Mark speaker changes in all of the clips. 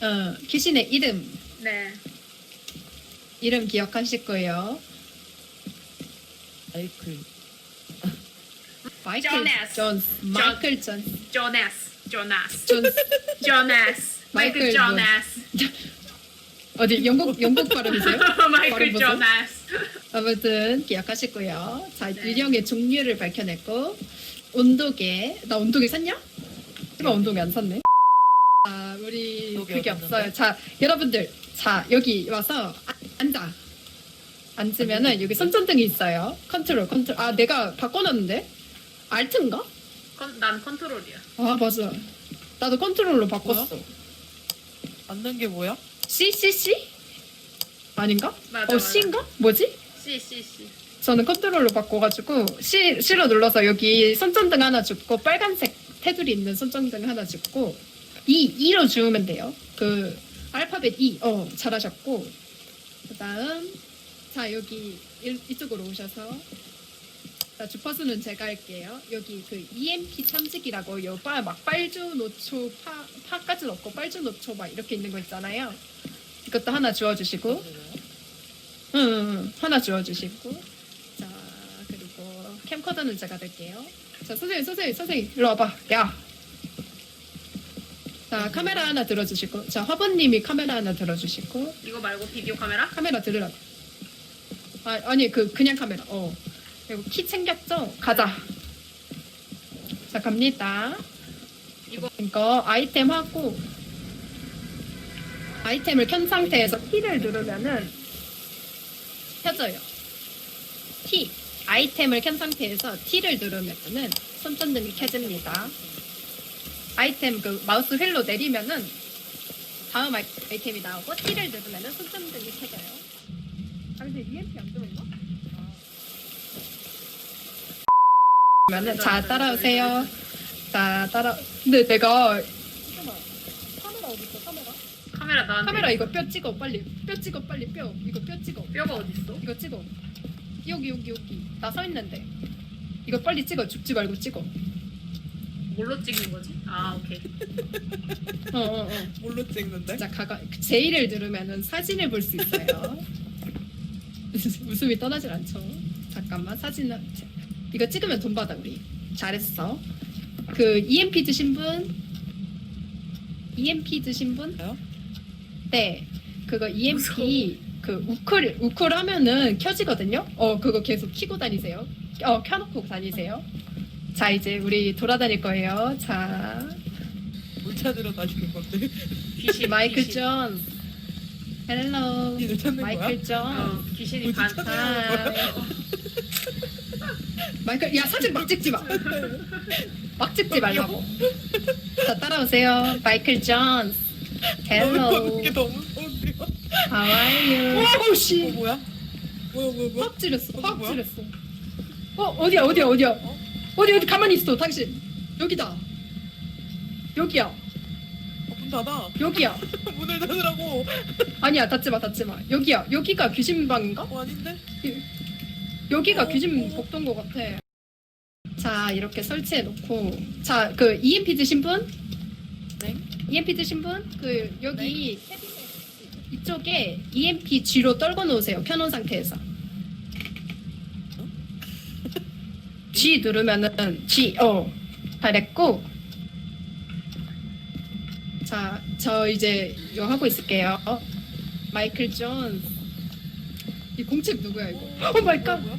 Speaker 1: 귀신의 이름.
Speaker 2: 네.
Speaker 1: 이름 기억하실 거예요.
Speaker 3: 마이클.
Speaker 1: 마이클
Speaker 2: 조나스.
Speaker 1: 존스. 마이클 존스.
Speaker 2: 조나스.
Speaker 1: 존스.
Speaker 2: 조나스. 마이클
Speaker 1: 마이클
Speaker 2: 조나스.
Speaker 1: 어디 영국 발음이세요?
Speaker 2: 마이클
Speaker 1: 발음 보세요.
Speaker 2: 조나스.
Speaker 1: 아무튼 기억하시고요. 자,
Speaker 2: 네.
Speaker 1: 유령의 종류를 밝혀냈고 온도계. 나 온도계 샀냐? 이거 온도계 안 샀네. 자, 우리
Speaker 3: 온도계
Speaker 1: 그게
Speaker 3: 어디
Speaker 1: 없어요.
Speaker 3: 있는데?
Speaker 1: 자, 여러분들. 자, 여기 와서 앉아. 앉으면은 여기 손전등이 있어요. 컨트롤. 아, 내가 바꿔놨는데? 알트인가?
Speaker 2: 난 컨트롤이야.
Speaker 1: 아, 맞아. 나도 컨트롤로 바꿨어.
Speaker 3: 앉는 게 뭐야?
Speaker 1: C? 아닌가?
Speaker 2: 맞아.
Speaker 1: C인가? 뭐지?
Speaker 2: C.
Speaker 1: 저는 컨트롤로 바꿔가지고 C로 눌러서 여기 손전등 하나 줍고 빨간색 테두리 있는 손전등 하나 줍고 E로 주우면 돼요. 그 알파벳 E. 잘하셨고 그다음 자 여기 이쪽으로 오셔서 자 주파수는 제가 할게요. 여기 그 EMP 탐지기라고 막 빨주 노초 파까지 넣고 빨주 노초 막 이렇게 있는 거 있잖아요. 이것도 하나 주워주시고 응, 하나 주워주시고 자 그리고 캠코더는 제가 들게요. 자 선생님 일로 와봐. 야. 자 카메라 하나 들어주시고 자 화분님이 카메라 하나 들어주시고
Speaker 2: 이거 말고 비디오 카메라?
Speaker 1: 카메라 들으라고. 아니 그냥 카메라. 그리고 키 챙겼죠? 가자. 자 갑니다. 이거 아이템 하고 아이템을 켠 상태에서 T를 누르면은 켜져요. T 아이템을 켠 상태에서 T를 누르면은 손전등이 켜집니다. 아이템 그 마우스 휠로 내리면은 다음 아이템이 나오고 T를 누르면은 손전등이 켜져요. 근데 EMP 안 들어있나? 그러면은 자 따라오세요. 자 근데 내가 카메라 어디 있어?
Speaker 2: 카메라 나한테.
Speaker 1: 카메라 이거 뼈 찍어 빨리. 뼈 찍어. 이거 뼈 찍어.
Speaker 2: 뼈가 어딨어?
Speaker 1: 이거 찍어. 여기. 나 서 있는데. 이거 빨리 찍어. 죽지 말고 찍어.
Speaker 2: 뭘로 찍는 거지? 아 오케이.
Speaker 3: 뭘로 찍는데?
Speaker 1: 자 J를 누르면은 사진을 볼 수 있어요. 웃음이 떠나질 않죠. 잠깐만 사진을 이거 찍으면 돈 받아 우리. 잘했어. 그 EMP 드신 분?
Speaker 3: 저요?
Speaker 1: 네. 그거 EMP 그 우쿨 하면은 켜지거든요. 그거 계속 키고 다니세요. 켜놓고 다니세요. 자 이제 우리 돌아다닐 거예요. 자
Speaker 3: 뭘 찾으러 다니는 건데?
Speaker 2: 귀신.
Speaker 1: 마이클
Speaker 2: 귀신.
Speaker 1: 존. 헬로.
Speaker 3: 니들 찾는 거야?
Speaker 1: 마이클 존.
Speaker 2: 귀신이
Speaker 3: 어디
Speaker 2: 반.
Speaker 3: 찾아요?
Speaker 1: 마이클 야 사진 막 찍지 마. 막 찍지 말라고. 자 따라오세요. 마이클 존. 헬로.
Speaker 3: 이게 너무 무서운데요?
Speaker 1: How are you? 오씨.
Speaker 3: 뭐야? 뭐야?
Speaker 1: 확 찌렸어. 확
Speaker 3: 뭐야?
Speaker 1: 찌렸어. 어디야? 어디 가만히 있어 당신. 여기다. 여기야.
Speaker 3: 문 닫아.
Speaker 1: 여기야.
Speaker 3: 문을 닫으라고.
Speaker 1: 아니야 닫지 마. 여기야. 여기가 귀신 방인가?
Speaker 3: 아닌데?
Speaker 1: 여기가 귀신 복도인 것 같아. 자 이렇게 설치해 놓고 자 그 EMP 드신 분?
Speaker 3: 네.
Speaker 1: EMP 드신 분? 그 여기 캐비넷 이쪽에 EMP G로 떨궈 놓으세요. 켜놓은 상태에서. G 누르면은 G 잘했고 자 저 이제 이거 하고 있을게요. 마이클 존. 이 공책 누구야 이거? 오 마이 갓.
Speaker 3: 뭐야?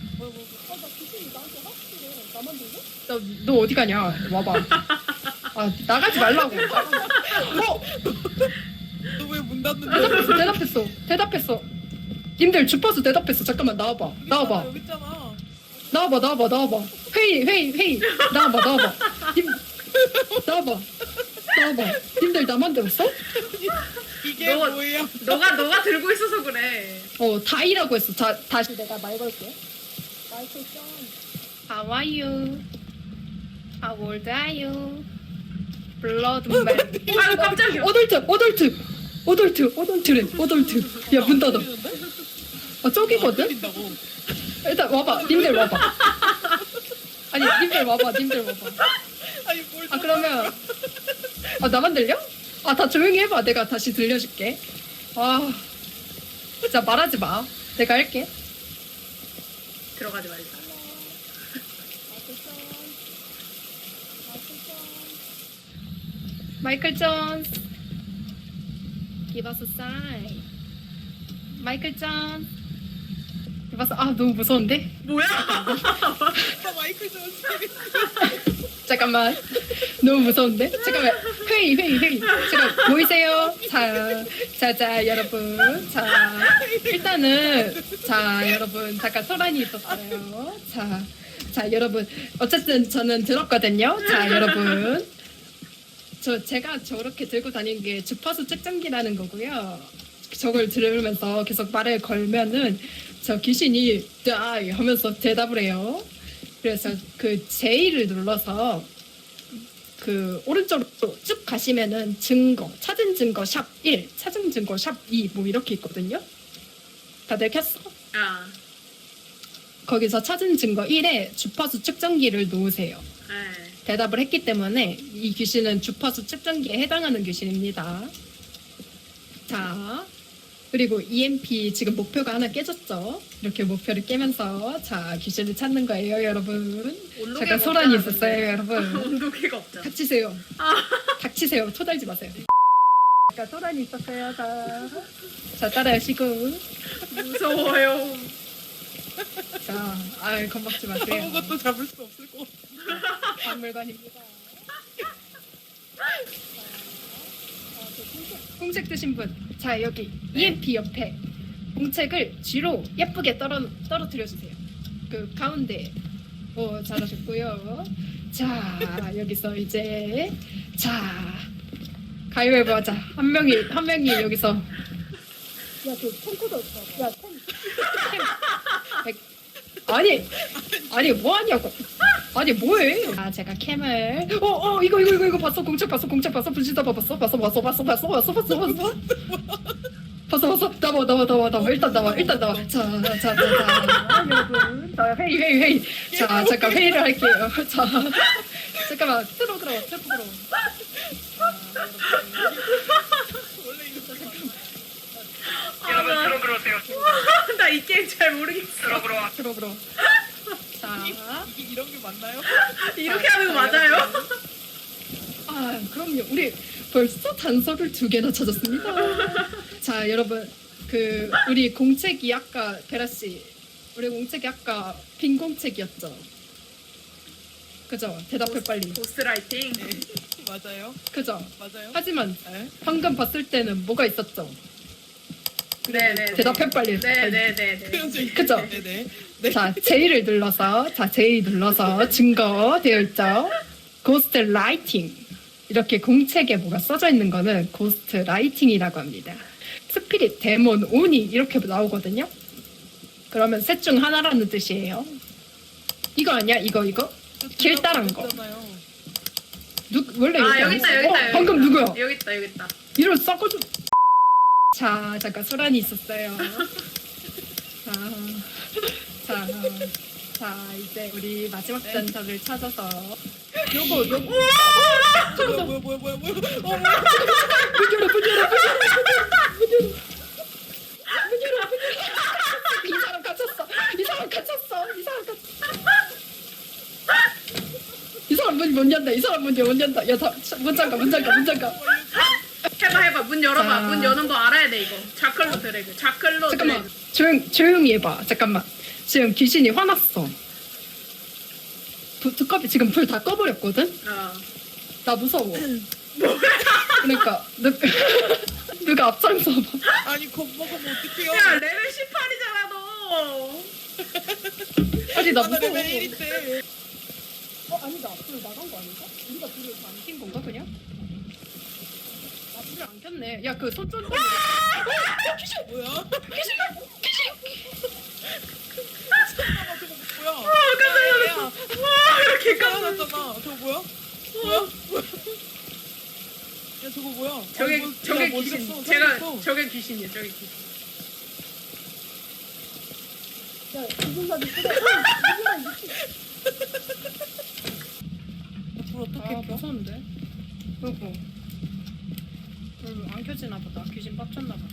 Speaker 1: 너 어디 가냐? 와봐. 아 나가지 말라고.
Speaker 3: 너 왜 문 닫는데?
Speaker 1: 대답했어. 님들 주파수 대답했어. 잠깐만 나와봐.
Speaker 3: 여기 있잖아.
Speaker 1: 나와봐. 회의. 나와봐. 나와봐. 님들 나만 들었어?
Speaker 3: 이게
Speaker 2: 너-
Speaker 3: 뭐예요?
Speaker 2: 너가 들고 있어서 그래.
Speaker 1: 다이라고 했어. 다시 내가 말 걸게. 마이클 존. How are you? How old are you? Blood man.
Speaker 2: 아유 깜짝이야.
Speaker 1: 어덜트. 야, 문 닫아. 저기거든?
Speaker 3: 들린다고.
Speaker 1: 일단 와봐. 님들 와봐. 아니, 님들 와봐.
Speaker 3: 아니 뭘?
Speaker 1: 그러면. 나만 들려? 아, 다 조용히 해봐. 내가 다시 들려줄게. 아, 진짜 말하지 마. 내가 할게.
Speaker 2: 들어가지 말자.
Speaker 1: 마이클 존스. Give us a sign. 마이클 존스. Give us. 아, 너무 무서운데?
Speaker 2: 뭐야?
Speaker 3: 아, 마이클 존스.
Speaker 1: 잠깐만. 너무 무서운데? 잠깐만. 회의. 잠깐 보이세요? 자, 여러분. 자, 일단은 자, 여러분 잠깐 소란이 있었어요. 자, 여러분. 어쨌든 저는 들었거든요. 자, 여러분. 제가 저렇게 들고 다니는 게 주파수 측정기라는 거고요. 저걸 들으면서 계속 말을 걸면은 저 귀신이 die 하면서 대답을 해요. 그래서 그 J를 눌러서 그 오른쪽으로 쭉 가시면은 증거, 찾은 증거 샵 1, 찾은 증거 샵 2 뭐 이렇게 있거든요. 다들 켰어?
Speaker 2: 아,
Speaker 1: 거기서 찾은 증거 1에 주파수 측정기를 놓으세요.
Speaker 2: 네.
Speaker 1: 대답을 했기 때문에 이 귀신은 주파수 측정기에 해당하는 귀신입니다. 자, 그리고 EMP 지금 목표가 하나 깨졌죠? 이렇게 목표를 깨면서 자, 귀신을 찾는 거예요, 여러분.
Speaker 2: 온도계가
Speaker 1: 잠깐 소란이
Speaker 2: 없잖아,
Speaker 1: 있었어요,
Speaker 2: 근데.
Speaker 1: 여러분.
Speaker 2: 온도계가 없잖아.
Speaker 1: 닥치세요.
Speaker 2: 아.
Speaker 1: 닥치세요. 토달지 마세요. 잠깐 소란이 있었어요. 자, 따라하시고.
Speaker 2: 무서워요.
Speaker 1: 자, 겁먹지 마세요.
Speaker 3: 아무것도 잡을 수 없을 것 같아.
Speaker 1: 박물관입니다. 공책 드신 분. 자, 여기 EMP 옆에 공책을 뒤로 예쁘게 떨어뜨려 주세요. 그 가운데. 오, 잘하셨고요. 자, 여기서 이제 자, 가위바위보 하자. 한 명이 여기서 야, 그 탱크도 있어. 야, 아니 뭐 하냐고. 아니 뭐해? 아, 제가 캠을 이거 봤어? 공책 봤어? 분신다 봤어? 나와. 일단 나와. 자, 여러분. 자, 회의. 자, 잠깐 회의를 할게요. 자, 잠깐만. 들어.
Speaker 3: 원래 이거
Speaker 2: 여러분 들어오세요. 나 이 게임 잘 모르겠어.
Speaker 1: 들어. 자,
Speaker 3: 이게 이런 게 맞나요?
Speaker 2: 이렇게 하는 거 맞아요?
Speaker 1: 아, 그럼요. 우리 벌써 단서를 2개나 찾았습니다. 자, 여러분. 우리 공책이 아까 베라씨. 우리 공책이 아까 빈 공책이었죠. 그죠? 대답해 빨리.
Speaker 2: 고스라이팅.
Speaker 3: 네. 맞아요.
Speaker 1: 그죠?
Speaker 3: 맞아요.
Speaker 1: 하지만
Speaker 3: 네.
Speaker 1: 방금 봤을 때는 뭐가 있었죠?
Speaker 2: 네네.
Speaker 1: 대답해 빨리.
Speaker 2: 네네네.
Speaker 1: 그죠?
Speaker 3: 네네. 네.
Speaker 1: 자, J를 눌러서 J 눌러서 증거 되어 있죠. 고스트 라이팅. 이렇게 공책에 뭐가 써져 있는 거는 고스트 라이팅이라고 합니다. 스피릿, 데몬, 오니 이렇게 나오거든요. 그러면 셋 중 하나라는 뜻이에요. 이거 아니야? 이거? 길 따른 거.
Speaker 3: 있잖아요.
Speaker 1: 원래
Speaker 2: 아,
Speaker 1: 여기
Speaker 2: 여기
Speaker 1: 안
Speaker 2: 있다.
Speaker 1: 있어? 방금 누구야?
Speaker 2: 여기 있다.
Speaker 1: 이런 썩어줘. 자, 잠깐 소란이 있었어요. 자, 이제 우리 마지막 단서를 찾아서 요거
Speaker 3: 뭐야?
Speaker 1: 문 열어. 이 사람 갇혔어. 이 사람 문 연다. 야, 문 잠가.
Speaker 2: 해봐. 문 열어봐.
Speaker 1: 자.
Speaker 2: 문 여는 거 알아야 돼 이거. 자클로 드래그.
Speaker 1: 잠깐만. 조용히 해봐. 잠깐만. 지금 귀신이 화났어. 두꺼비 지금 불 다 꺼버렸거든?
Speaker 2: 어.
Speaker 1: 나 무서워. 그러니까 누가 앞장서 봐.
Speaker 3: 아니 겁먹으면 어떡해요?
Speaker 2: 야 레벨 18이잖아 너.
Speaker 1: 아니 나
Speaker 3: 나
Speaker 1: 무서워.
Speaker 3: 레벨 1인데.
Speaker 1: 아니다. 불 나간 거 아닌가? 우리가 불을 안 킨 건가 그냥? 아, 불을 안 켰네. 야, 그 손전등. 귀신!
Speaker 3: 뭐야?
Speaker 1: 귀신!
Speaker 3: 잠깐만 저거 뭐야?
Speaker 2: 깜짝이야.
Speaker 3: 야,
Speaker 2: 와 이렇게
Speaker 3: 까먹었잖아. 저거 뭐야? 뭐야? 야 저거 뭐야?
Speaker 2: 저게
Speaker 3: 아니, 뭐,
Speaker 2: 저게
Speaker 3: 야, 뭐 어디
Speaker 2: 귀신.
Speaker 3: 갔어?
Speaker 2: 제가
Speaker 3: 사라졌어.
Speaker 2: 저게 귀신이에요. 저게 귀신.
Speaker 1: 야, 무슨 사람 있어?
Speaker 3: 불 어떻게
Speaker 1: 아,
Speaker 3: 켜?
Speaker 1: 무서운데? 그리고 안 켜지나 보다. 귀신 빡쳤나 보다.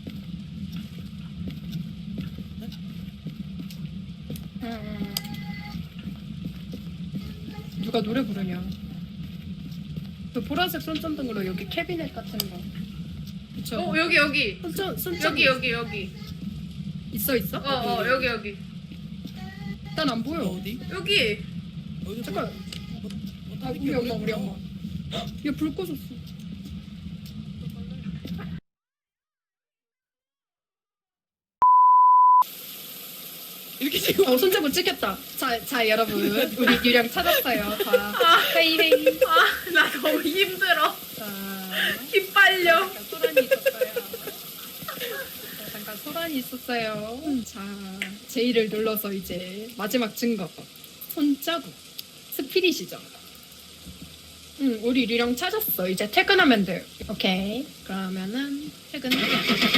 Speaker 1: 누가 노래 부르냐? 그 보라색 손전등으로 여기 캐비넷 같은 거. 그쵸?
Speaker 2: 여기.
Speaker 1: 손전
Speaker 2: 여기.
Speaker 1: 있어?
Speaker 2: 여기.
Speaker 1: 난 안 보여.
Speaker 3: 어디?
Speaker 2: 여기.
Speaker 3: 어디?
Speaker 1: 잠깐. 아, 우리 엄마. 얘 불 꺼졌어.
Speaker 3: 이렇게 지금
Speaker 1: 손잡고 찍혔다. 자, 여러분. 우리 유령 찾았어요. 자, 헤이.
Speaker 2: 나 너무 힘들어.
Speaker 1: 자,
Speaker 2: 힘 빨려.
Speaker 1: 잠깐 소란이 있었어요. 잠깐 소란이 있었어요. 자, J를 눌러서 이제 마지막 증거. 손자국. 스피릿이죠. 우리 유령 찾았어. 이제 퇴근하면 돼요. 오케이. 그러면은 퇴근.